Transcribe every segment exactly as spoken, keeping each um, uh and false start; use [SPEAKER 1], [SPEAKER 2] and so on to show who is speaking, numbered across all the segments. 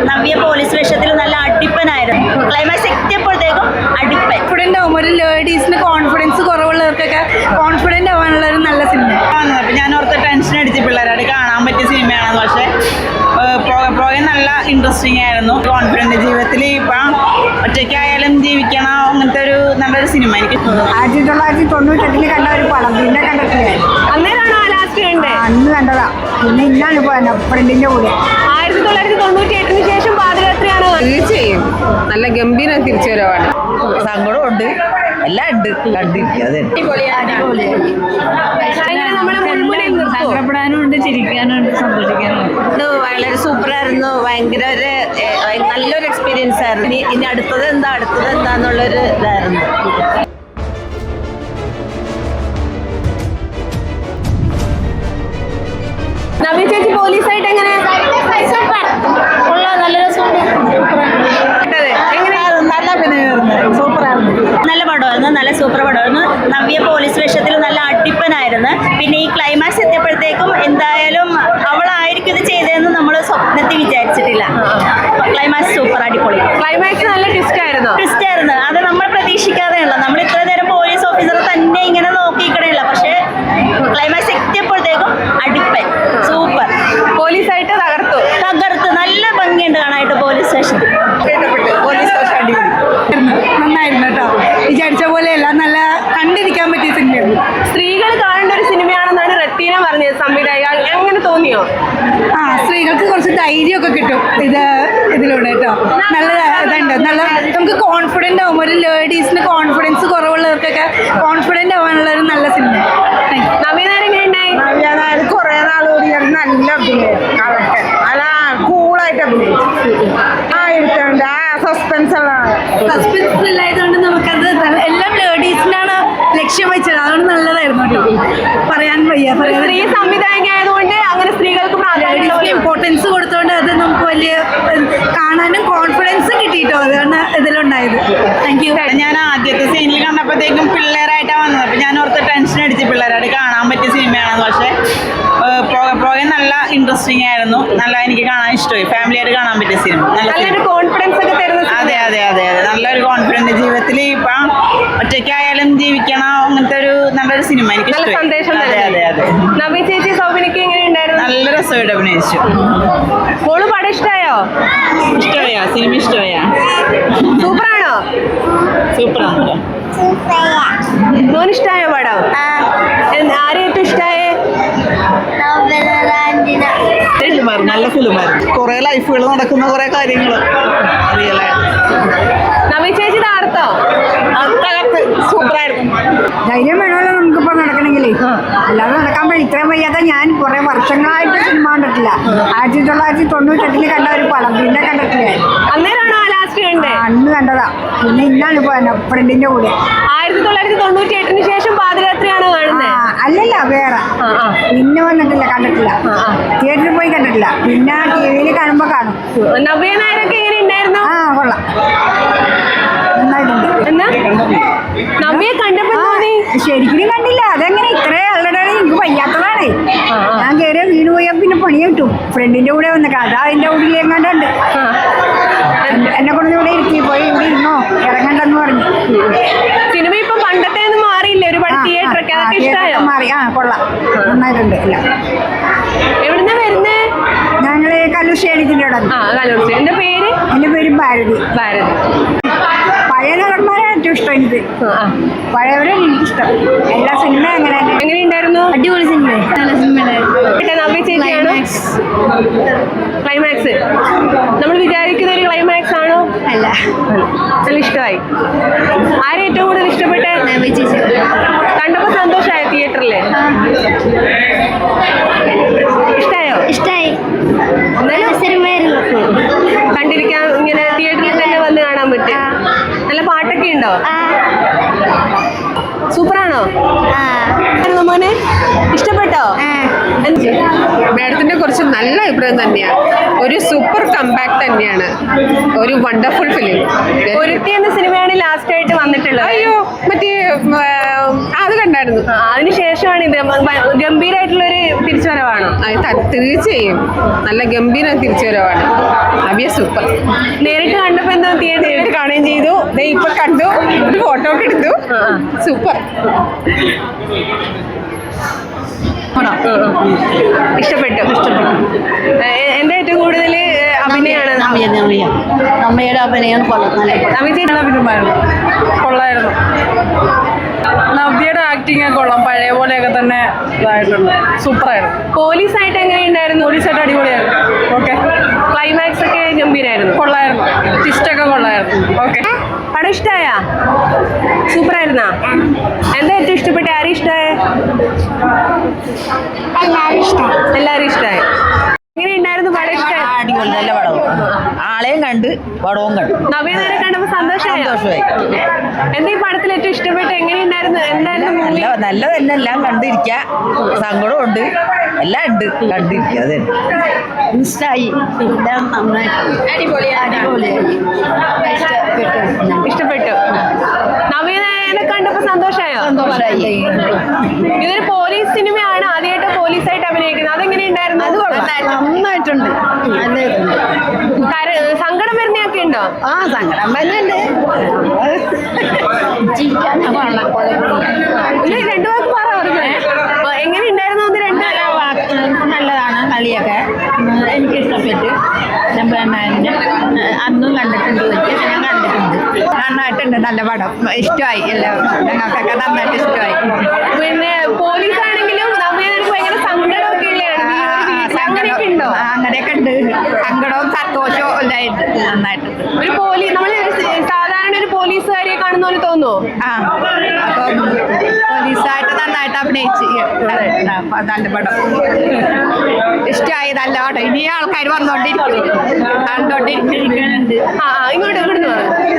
[SPEAKER 1] Navya police വേഷത്തിൽ നല്ല അടിപ്പനായിരുന്നു. Climax എത്തിയപ്പോഴത്തേക്കും അടിപ്പൻ.
[SPEAKER 2] Confident ആവും. ഒരു ലേഡീസിന് കോൺഫിഡൻസ് കുറവുള്ളവർക്കൊക്കെ കോൺഫിഡൻ്റ് ആവാനുള്ള ഒരു നല്ല സിനിമയാണ്.
[SPEAKER 3] അപ്പം ഞാൻ ഓർത്ത് ടെൻഷൻ അടിച്ച് പിള്ളേരോട് കാണാൻ പറ്റിയ സിനിമയാണെന്ന്. പക്ഷേ പോകെ പോകെ നല്ല ഇൻട്രസ്റ്റിംഗ് ആയിരുന്നു. കോൺഫിഡൻറ്റ് ജീവിതത്തിൽ ഇപ്പം ഒറ്റയ്ക്കായാലും ജീവിക്കണം അങ്ങനത്തെ ഒരു നല്ലൊരു സിനിമ. എനിക്ക്
[SPEAKER 2] ആയിരത്തി തൊള്ളായിരത്തി തൊണ്ണൂറ്റെട്ടില് കണ്ട ഒരു പടം പിന്നെ കണ്ടിട്ടില്ല.
[SPEAKER 4] അന്നേരമാണോ ലാസ്റ്റ് കണ്ടേ?
[SPEAKER 2] അന്ന് കണ്ടതാ. പിന്നെ ഇന്നാണ് പോയത് ഫ്രണ്ടിന്റെ കൂടെ.
[SPEAKER 4] ആയിരത്തി തൊള്ളായിരത്തി തൊണ്ണൂറ്റി എട്ടിന് ശേഷം പാദയാത്രയാണ്.
[SPEAKER 5] തീർച്ചയായും നല്ല ഗംഭീര തിരിച്ചുവരവാണ്.
[SPEAKER 3] സങ്കടമുണ്ട്, എല്ലാം ഉണ്ട്, കണ്ടിരിക്കുക.
[SPEAKER 1] സങ്കടപ്പെടാനും ഉണ്ട്, ചിരിക്കാനും ഉണ്ട്, സന്തോഷിക്കാനും ഉണ്ട്. വളരെ സൂപ്പറായിരുന്നു. ഭയങ്കര ഒരു നല്ലൊരു എക്സ്പീരിയൻസ് ആയിരുന്നു. ഇനി ഇനി അടുത്തത് എന്താ അടുത്തത് എന്താന്നുള്ളൊരു ഇതായിരുന്നു.
[SPEAKER 4] നവ്യ ചേച്ചി പോലീസായിട്ട് എങ്ങനെ?
[SPEAKER 1] നല്ല പടമായിരുന്നു, നല്ല സൂപ്പർ പടമായിരുന്നു. നവ്യ പോലീസ് വേഷത്തിൽ നല്ല അടിപ്പനായിരുന്നു. പിന്നെ ഈ ക്ലൈമാക്സ് എത്തിയപ്പോഴത്തേക്കും എന്തായാലും അവളായിരിക്കും ഇത് ചെയ്തതെന്ന് നമ്മൾ സ്വപ്നത്തിൽ വിചാരിച്ചിട്ടില്ല. ക്ലൈമാക്സ് സൂപ്പർ, അടിപൊളി.
[SPEAKER 4] ക്ലൈമാക്സ് നല്ല ട്വിസ്റ്റ് ആയിരുന്നു.
[SPEAKER 1] ട്വിസ്റ്റ് ആയിരുന്നു. അത് നമ്മൾ പ്രതീക്ഷിക്കാതെയുള്ള, നമ്മൾ ഇത്ര നേരം പോലീസ് ഓഫീസർ തന്നെ ഇങ്ങനെ നോക്കിക്കണേയില്ല. പക്ഷേ ക്ലൈമാക്സ് എത്തിയപ്പോഴത്തേക്കും അടിപ്പൻ, സൂപ്പർ.
[SPEAKER 4] പോലീസായിട്ട് തകർത്തു
[SPEAKER 1] തകർത്ത് നല്ല ഭംഗിയുണ്ട് കാണാനായിട്ട് പോലീസ് സ്റ്റേഷൻ.
[SPEAKER 3] പോലീസ് സ്റ്റേഷൻ അടിപൊളി,
[SPEAKER 2] നന്നായിരുന്നു കേട്ടോ. വിചാരിച്ച പോലെയല്ല, നല്ല കണ്ടിരിക്കാൻ പറ്റിയ സിനിമയായിരുന്നു.
[SPEAKER 4] സ്ത്രീകൾ കാണേണ്ട ഒരു സിനിമയാണെന്നാണ് റെറ്റീന പറഞ്ഞത്. സംവിധായക എങ്ങനെ തോന്നിയോ?
[SPEAKER 2] ആ, സ്ത്രീകൾക്ക് കുറച്ച് ധൈര്യമൊക്കെ കിട്ടും ഇത് ഇതിലൂടെ കേട്ടോ. നല്ല ഇതുണ്ട്. നല്ല നമുക്ക് കോൺഫിഡൻ്റ് ആവും. ഒരു ലേഡീസിന് കോൺഫിഡൻസ് കുറവുള്ളവർക്കൊക്കെ കോൺഫിഡൻ്റ് ആവാനുള്ള ഒരു നല്ല സിനിമ.
[SPEAKER 4] നവീനാർ എങ്ങനെയുണ്ടായി?
[SPEAKER 3] നവ്യാനാര് കുറെ നാളുകൂടി നല്ല അഭിനയം, അവർക്ക് അല്ല കൂളായിട്ട് അഭിനയിച്ചു. ആ ഇരുട്ടുണ്ട്, ആ സസ്പെൻസ്
[SPEAKER 2] സസ്പെൻസ് ഇല്ലായതുകൊണ്ട് നമുക്കത് എല്ലാം ലേഡീസിനാണ് ലക്ഷ്യം വെച്ചത്. അതുകൊണ്ട് നല്ലതായിരുന്നു കേട്ടോ. പറയാൻ വയ്യ.
[SPEAKER 4] സ്ത്രീ സംവിധായക ആയതുകൊണ്ട് അങ്ങനെ സ്ത്രീകൾക്ക്
[SPEAKER 2] ലേഡീസിന് ഇമ്പോർട്ടൻസ് കൊടുത്തോണ്ട് അത് നമുക്ക് വലിയ കാണാനും കോൺഫിഡൻസ് കിട്ടിയിട്ടോ. അതാണ് ഇതിലുണ്ടായത്. Thank you.
[SPEAKER 3] ഞാൻ ആദ്യത്തെ സീനിൽ കണ്ടപ്പോഴത്തേക്കും പിള്ളേരായിട്ടാണ് വന്നത്. അപ്പം ഞാൻ ഓർത്ത് ടെൻഷൻ അടിച്ച് പിള്ളേരോട് കാണാൻ പറ്റിയ സിനിമയാണെന്ന്. പക്ഷേ പോകെ പോകെ നല്ല ഇൻട്രസ്റ്റിംഗ് ആയിരുന്നു. നല്ല എനിക്ക് കാണാൻ ഇഷ്ടമായി. ഫാമിലിയായിട്ട് കാണാൻ പറ്റിയ സിനിമ.
[SPEAKER 4] നല്ലൊരു കോൺഫിഡൻസ് ഒക്കെ തരുന്ന.
[SPEAKER 3] അതെ അതെ അതെ അതെ നല്ലൊരു കോൺഫിഡൻറ്റ് ജീവിതത്തിൽ ഇപ്പം ഒറ്റയ്ക്കായാലും ജീവിക്കണം അങ്ങനത്തെ ഒരു നല്ലൊരു സിനിമ. എനിക്ക് ഇഷ്ടമായി. അതെ അതെ അതെ.
[SPEAKER 4] നവ്യ ചേച്ചി സൗബിനൊക്കെ എങ്ങനെയുണ്ടായിരുന്നു?
[SPEAKER 3] നല്ല രസമായിട്ട് അഭിനയിച്ചു.
[SPEAKER 4] മോള് പടം ഇഷ്ടമായോ?
[SPEAKER 3] ഇഷ്ടമായാ സിനിമ? ഇഷ്ടമായാ?
[SPEAKER 4] സൂപ്പറാണോ?
[SPEAKER 3] സൂപ്പറാണല്ലോ.
[SPEAKER 4] മോന് ഇഷ്ടമായോ പടം? ആരെ ഏറ്റവും ഇഷ്ടമായേ?
[SPEAKER 3] നല്ല ഫിലിമായിരുന്നു. കുറെ ലൈഫുകൾ നടക്കുന്ന കുറെ കാര്യങ്ങൾ റിയലായിട്ട്.
[SPEAKER 4] നവ്യ ചേച്ചി തകർത്തോ?
[SPEAKER 3] സൂപ്പറായിരുന്നു.
[SPEAKER 2] ധൈര്യം വേണമല്ലോ നമുക്കിപ്പോൾ നടക്കണമെങ്കിലേ. അല്ലാതെ നടക്കാൻ പറ്റും. ഇത്രയും വയ്യാതെ ഞാൻ കുറേ വർഷങ്ങളായിട്ട് സിനിമ കണ്ടിട്ടില്ല. ആയിരത്തി തൊള്ളായിരത്തി തൊണ്ണൂറ്റെട്ടില് കണ്ട ഒരു പടം പിന്നെ കണ്ടിട്ടില്ല.
[SPEAKER 4] അന്നേരമാണോ ലാസ്റ്റ് കണ്ടേ?
[SPEAKER 2] അന്ന് കണ്ടതാ. പിന്നെ ഇന്നാണ് പോയത് ഫ്രണ്ടിന്റെ കൂടെ.
[SPEAKER 4] ആയിരത്തി തൊള്ളായിരത്തി തൊണ്ണൂറ്റി എട്ടിന് ശേഷം പാദയാത്രയാണ് കാണുന്നത്.
[SPEAKER 2] അല്ലല്ല, വേറെ പിന്നെ വന്നിട്ടില്ല, കണ്ടിട്ടില്ല. തിയേറ്ററിൽ പോയി കണ്ടിട്ടില്ല. പിന്നെ ടി വിയിൽ കാണുമ്പോൾ കാണും.
[SPEAKER 4] നവ്യ നായരൊക്കെ എങ്ങനെ ഉണ്ടായിരുന്നു?
[SPEAKER 2] ആ, കൊള്ളാം, നന്നായിട്ടുണ്ട്.
[SPEAKER 4] എന്നാ നവ്യെ കണ്ടപ്പോ തോന്നി?
[SPEAKER 2] ശരിക്കും കണ്ടില്ല. അതെങ്ങനെ ഇത്രയും ആളുടെ എനിക്ക് വയ്യാത്തതാണ്. ഞാൻ കയറിയ വീണ് പോയാൽ പിന്നെ പണി കിട്ടും. ഫ്രണ്ടിന്റെ കൂടെ വന്ന കഥ അതിന്റെ ഉള്ളിൽ എങ്ങാണ്ടുണ്ട്. എന്നെ കൊണ്ട് ഇവിടെ ഇരുത്തി പോയി ഇവിടെ ഇരുന്നോ ഇറങ്ങണ്ടെന്ന് പറഞ്ഞു.
[SPEAKER 4] സിനിമ ഇപ്പൊ പണ്ടത്തെ ഒന്നും മാറിയില്ല. ഒരുപാട് തിയേറ്റർ ഒക്കെ അതൊക്കെ ഇഷ്ടമായോ?
[SPEAKER 2] മാറി. ആ, കൊള്ളാം, നന്നായിട്ടുണ്ട്. ഇല്ല,
[SPEAKER 4] എവിടുന്ന വരുന്നേ?
[SPEAKER 2] ഞങ്ങള് കല്ലുശ്ശേരിത്തിന്റെ അവിടെ.
[SPEAKER 4] ആ, കല്ലൂർ. എന്റെ പേര്?
[SPEAKER 2] എന്റെ പേര് ഭാരതി.
[SPEAKER 4] ഭാരതി.
[SPEAKER 2] പഴയ നടന്മാരെ ഏറ്റവും ഇഷ്ടം എനിക്ക്. പഴയവരെ എനിക്കിഷ്ടം. എല്ലാ സിനിമയും അങ്ങനെ.
[SPEAKER 4] എങ്ങനെയുണ്ടായിരുന്നു?
[SPEAKER 2] അടിപൊളി സിനിമ, നല്ല സിനിമ.
[SPEAKER 4] നവ്യ ചേച്ചിയാണോ? ക്ലൈമാക്സ് നമ്മൾ വിചാരിക്കുന്ന ഒരു ക്ലൈമാക്സ് ആണോ?
[SPEAKER 2] അല്ല,
[SPEAKER 4] നല്ല ഇഷ്ടമായി. ആരെ ഏറ്റവും കൂടുതൽ ഇഷ്ടപ്പെട്ടെ?
[SPEAKER 2] നവ്യ ചേച്ചി.
[SPEAKER 4] കണ്ടപ്പോ സന്തോഷമായോ തിയേറ്ററില്? ഇഷ്ടായോ?
[SPEAKER 2] ഇഷ്ടായി.
[SPEAKER 4] സിനിമയായിരുന്നു. കണ്ടിരിക്കാൻ ഇങ്ങനെ തിയേറ്ററിൽ തന്നെ വന്ന് കാണാൻ പറ്റും. നല്ല പാട്ടൊക്കെ ഉണ്ടോ? സൂപ്പറാണോ? മോനെ ഇഷ്ടപ്പെട്ടോ?
[SPEAKER 5] മാഡത്തിന്റെ കുറിച്ച് നല്ല അഭിപ്രായം തന്നെയാണ്. ഒരു സൂപ്പർ കംബാക്ക് തന്നെയാണ്. ഒരു വണ്ടർഫുൾ ഫിലിം.
[SPEAKER 4] ഒരുത്തി എന്ന സിനിമയാണ് ലാസ്റ്റ് ആയിട്ട് വന്നിട്ടുള്ളത്.
[SPEAKER 5] അയ്യോ മറ്റേ അത് കണ്ടായിരുന്നു.
[SPEAKER 4] ആ, അതിനുശേഷമാണ് ഇത് ഗംഭീരമായിട്ടുള്ള ഒരു തിരിച്ചുവരവാണ്.
[SPEAKER 5] തീർച്ചയായും നല്ല ഗംഭീര തിരിച്ചുവരവാണ്. നവ്യ സൂപ്പർ.
[SPEAKER 4] നേരിട്ട് കണ്ടപ്പോ എന്താ തിയേറ്ററിൽ
[SPEAKER 5] കാണുകയും ചെയ്തു. ദേ ഇപ്പൊ കണ്ടു, ഒരു ഫോട്ടോ ഒക്കെ എടുത്തു. സൂപ്പർ.
[SPEAKER 4] ഇഷ്ടപ്പെട്ടു ഇഷ്ടപ്പെട്ടു എന്താ ഏറ്റവും കൂടുതൽ അഭിനയാണ്
[SPEAKER 1] അമ്മയുടെ അഭിനയം
[SPEAKER 2] കൊള്ളായിരുന്നു. നവ്യയുടെ ആക്ടിങ് കൊള്ളാം, പഴയ പോലെയൊക്കെ തന്നെ ഇതായിട്ടുണ്ട്. സൂപ്പറായിരുന്നു.
[SPEAKER 4] പോലീസായിട്ട് എങ്ങനെയുണ്ടായിരുന്നു?
[SPEAKER 2] പോലീസായിട്ട് അടിപൊളിയായിരുന്നു. ഓക്കെ.
[SPEAKER 4] ക്ലൈമാക്സ് ഒക്കെ ഗംഭീരായിരുന്നു.
[SPEAKER 2] കൊള്ളായിരുന്നു. ടിസ്റ്റൊക്കെ കൊള്ളായിരുന്നു. ഓക്കെ.
[SPEAKER 4] പടം ഇഷ്ടമായ? സൂപ്പറായിരുന്നാ? എന്താ ഏറ്റവും ഇഷ്ടപ്പെട്ട? ആരും ഇഷ്ടമായ? എല്ലാരും ഇഷ്ടമായി. എങ്ങനെയുണ്ടായിരുന്നു പടം? ഇഷ്ടമായി?
[SPEAKER 1] അടിപൊളി, നല്ല പടവും. ആളെയും കണ്ട് പടവും കണ്ടു.
[SPEAKER 4] നവീനരെ കണ്ടപ്പോ സന്തോഷമായി.
[SPEAKER 1] സന്തോഷമായി.
[SPEAKER 4] എന്താ ഈ പടത്തിൽ ഏറ്റവും ഇഷ്ടപ്പെട്ട? എങ്ങനെയുണ്ടായിരുന്നു? എന്തായിരുന്നു മൂവി?
[SPEAKER 1] നല്ല നല്ല തന്നെ എല്ലാം കണ്ടിരിക്ക, സങ്കടവും ഉണ്ട്, എല്ലാം ഉണ്ട് കണ്ടിരിക്കുക. അതെ, ഇഷ്ടമായി. എല്ലാം നന്നായിട്ട്
[SPEAKER 4] ഇഷ്ടപ്പെട്ടു. നവീനരെ കണ്ടപ്പോ സന്തോഷമായോ?
[SPEAKER 1] സന്തോഷമായി.
[SPEAKER 4] ഇതൊരു പോലീസ് സിനിമയാണ്, ആദ്യമായിട്ട് പോലീസായിട്ട് അഭിനയിക്കുന്നത്. അതെങ്ങനെയുണ്ടായിരുന്നു?
[SPEAKER 1] നന്നായിട്ടുണ്ട്.
[SPEAKER 4] സങ്കടം വരുന്നൊക്കെ ഉണ്ടോ?
[SPEAKER 1] ആ, സങ്കടം വരുന്നുണ്ട്.
[SPEAKER 4] രണ്ടു വാക്ക് പറ. എങ്ങനെയുണ്ടായിരുന്നു? ഒന്ന് രണ്ട്
[SPEAKER 1] നല്ലതാണ്. കളിയൊക്കെ എനിക്ക് ഇഷ്ടപ്പെട്ടു. അന്നും കണ്ടിട്ടുണ്ട്, ഞാൻ കണ്ടിട്ടുണ്ട്. നന്നായിട്ടുണ്ട്, നല്ല പടം. ഇഷ്ടമായി. എല്ലാവരും ഞങ്ങൾക്കൊക്കെ നന്നായിട്ട് ഇഷ്ടമായി.
[SPEAKER 4] പിന്നെ പോലീസ് ആണെങ്കിലും നമുക്ക് ഭയങ്കര സങ്കടമൊക്കെ അങ്ങനെയൊക്കെ ഉണ്ടോ?
[SPEAKER 1] അങ്ങനെയൊക്കെ ഉണ്ട്. സങ്കടവും സന്തോഷവും എല്ലായിട്ട് നന്നായിട്ട്.
[SPEAKER 4] ഒരു പോലീസ് നമ്മൾ സാധാരണ ഒരു പോലീസുകാരിയെ കാണുന്ന പോലെ തോന്നുമോ?
[SPEAKER 1] ആ, അപ്പം പോലീസായിട്ട് നന്നായിട്ട് അഭിനയിച്ച് നല്ല പടം. ഇഷ്ടമായി, നല്ല പടം. ഇനി ആൾക്കാർ വന്നോണ്ടിരിക്കും, കണ്ടോണ്ടിരിക്കാനുണ്ട്.
[SPEAKER 4] ആ, ഇങ്ങോട്ട് ഇവിടുന്ന്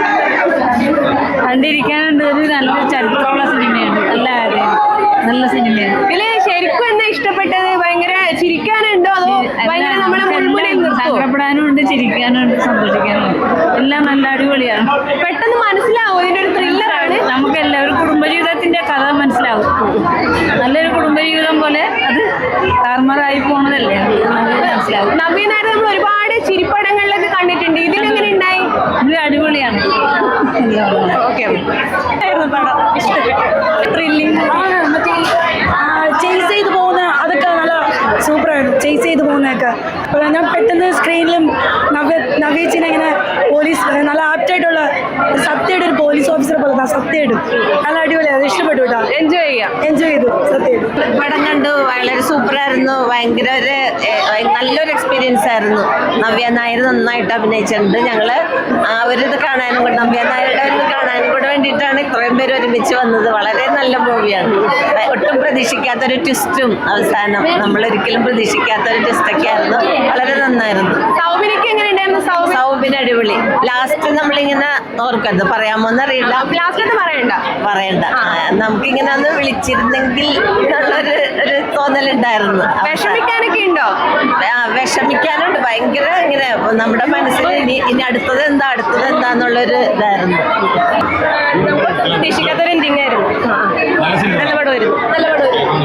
[SPEAKER 1] കണ്ടിരിക്കാനുണ്ട്. ഒരു നല്ല ചരിത്രമുള്ള സിനിമയാണ്. നല്ല നല്ല സിനിമയാണ്.
[SPEAKER 4] ഇതില് ശരിക്കും എന്താ ഇഷ്ടപ്പെട്ടത്? ഭയങ്കര ചിരിക്കാനുണ്ടോ അതോ ഭയങ്കര നമ്മളെ മുൾമുനയിൽ നിർത്തുമോ?
[SPEAKER 1] സങ്കടപ്പെടാനും ഉണ്ട്, ചിരിക്കാനും ഉണ്ട്, സന്തോഷിക്കാനും ഉണ്ട്. എല്ലാം നല്ല അടിപൊളിയാണ്.
[SPEAKER 4] പെട്ടെന്ന് മനസ്സിലാവും ഇതിന്റെ ഒരു ത്രില്ലറാണ്.
[SPEAKER 1] നമുക്ക് എല്ലാവരും കുടുംബജീവിതത്തിന്റെ കഥ മനസ്സിലാവും. നല്ലൊരു കുടുംബജീവിതം പോലെ അത് താറുമാറായി പോണതല്ലേ, മനസ്സിലാവും.
[SPEAKER 4] നവീനായിട്ട് നമ്മൾ ഒരുപാട് ചിരിപ്പടങ്ങളിലൊക്കെ കണ്ടിട്ടുണ്ട്. ഇതിലെങ്ങനെ ഉണ്ടായി?
[SPEAKER 1] ഇത് അടിപൊളിയാണ്.
[SPEAKER 4] ഓക്കെ.
[SPEAKER 1] പടം ഇഷ്ടപ്പെട്ടു. ത്രില്ലിംഗ്
[SPEAKER 6] മറ്റേ ചേസ് ചെയ്ത് പോകുന്ന അതൊക്കെ നല്ല സൂപ്പറായിരുന്നു. ചേസ് ചെയ്ത് പോകുന്നതൊക്കെ അപ്പോൾ ഞാൻ പെട്ടെന്ന് സ്ക്രീനിലും നവ്യ നവ്യേച്ചിനെ ഇങ്ങനെ പോലീസ് നല്ല ആപ്റ്റായിട്ടുള്ള സത്യയുടെ ഒരു പോലീസ് ഓഫീസറെ പോലെ സത്യമായിട്ട് നല്ല അടിപൊളിയാണ്. ഇഷ്ടപ്പെട്ടു കേട്ടോ.
[SPEAKER 4] എൻജോയ് ചെയ്യാം.
[SPEAKER 6] എൻജോയ് ചെയ്തു. സത്യമായിട്ട്
[SPEAKER 1] പടം കണ്ടു. വളരെ സൂപ്പറായിരുന്നു. ഭയങ്കര ഒരു നല്ലൊരു എക്സ്പീരിയൻസ് ആയിരുന്നു. നവ്യ നായർ നന്നായിട്ട് അഭിനയിച്ചിട്ടുണ്ട്. ഞങ്ങൾ ആ ഒരു ഇത് കാണാനും കൂടെ, നവ്യ നായരുടെ ഒരു ഇത് കാണാനും കൂടെ വേണ്ടിയിട്ടാണ് ഇത്രയും പേര് ഒരുമിച്ച് വന്നത്. വളരെ നല്ല മൂവിയാണ്. ഒട്ടും പ്രതീക്ഷിക്കാത്തൊരു ട്വിസ്റ്റും അവസാനം നമ്മളൊരിക്കലും പ്രതീക്ഷിക്കാത്തൊരു ട്വിസ്റ്റൊക്കെ ആയിരുന്നു. വളരെ നന്നായിരുന്നു.
[SPEAKER 4] സൗബിനൊക്കെ എങ്ങനെ ഉണ്ടായിരുന്നു? സൗബിൻ
[SPEAKER 1] സൗബിൻ അടിപൊളി. ലാസ്റ്റ് നമ്മളിങ്ങനെ ഓർക്കരുത്, പറയാമോന്ന് അറിയില്ല.
[SPEAKER 4] ലാസ്റ്റ് പറയണ്ട
[SPEAKER 1] പറയണ്ട നമുക്കിങ്ങനെ ഒന്ന് വിളിച്ചിരുന്നെങ്കിൽ എന്നുള്ളൊരു ഒരു തോന്നലുണ്ടായിരുന്നു.
[SPEAKER 4] വിഷമിക്കാനൊക്കെ ഉണ്ടോ?
[SPEAKER 1] വിഷമിക്കാനുണ്ട്. ഭയങ്കര ഇങ്ങനെ നമ്മുടെ മനസ്സിൽ ഇനി ഇനി അടുത്തത് എന്താ അടുത്തത് എന്താന്നുള്ളൊരു ഇതായിരുന്നു.
[SPEAKER 4] പ്രതീക്ഷിക്കാത്തൊരു എൻഡിങ് ആയിരുന്നു. നല്ല പടമായിരുന്നു. നല്ല പടമായിരുന്നു.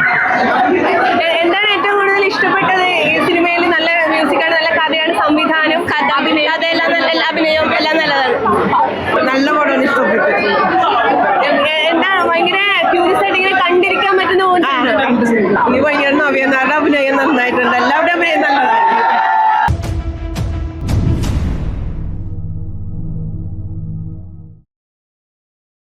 [SPEAKER 4] എന്താണ് ഏറ്റവും കൂടുതൽ ഇഷ്ടപ്പെട്ടത് ഈ സിനിമയിൽ? നല്ല മ്യൂസിക്കാണ്, നല്ല കഥയാണ്, സംവിധാനം, കഥ, അഭിനയം, കഥയെല്ലാം നല്ല അഭിനയം എല്ലാം നല്ലതാണ്.
[SPEAKER 1] നല്ല പടമാണ്. ഇഷ്ടപ്പെട്ടു.
[SPEAKER 4] എന്താണ് ഭയങ്കര ക്യൂരിയസ് ആയിട്ട് ഇങ്ങനെ കണ്ടിരിക്കാൻ പറ്റുന്ന
[SPEAKER 3] ഈ ഭയങ്കര നവ്യനാരുടെ അഭിനയം നന്നായിട്ടുണ്ട്. എല്ലാ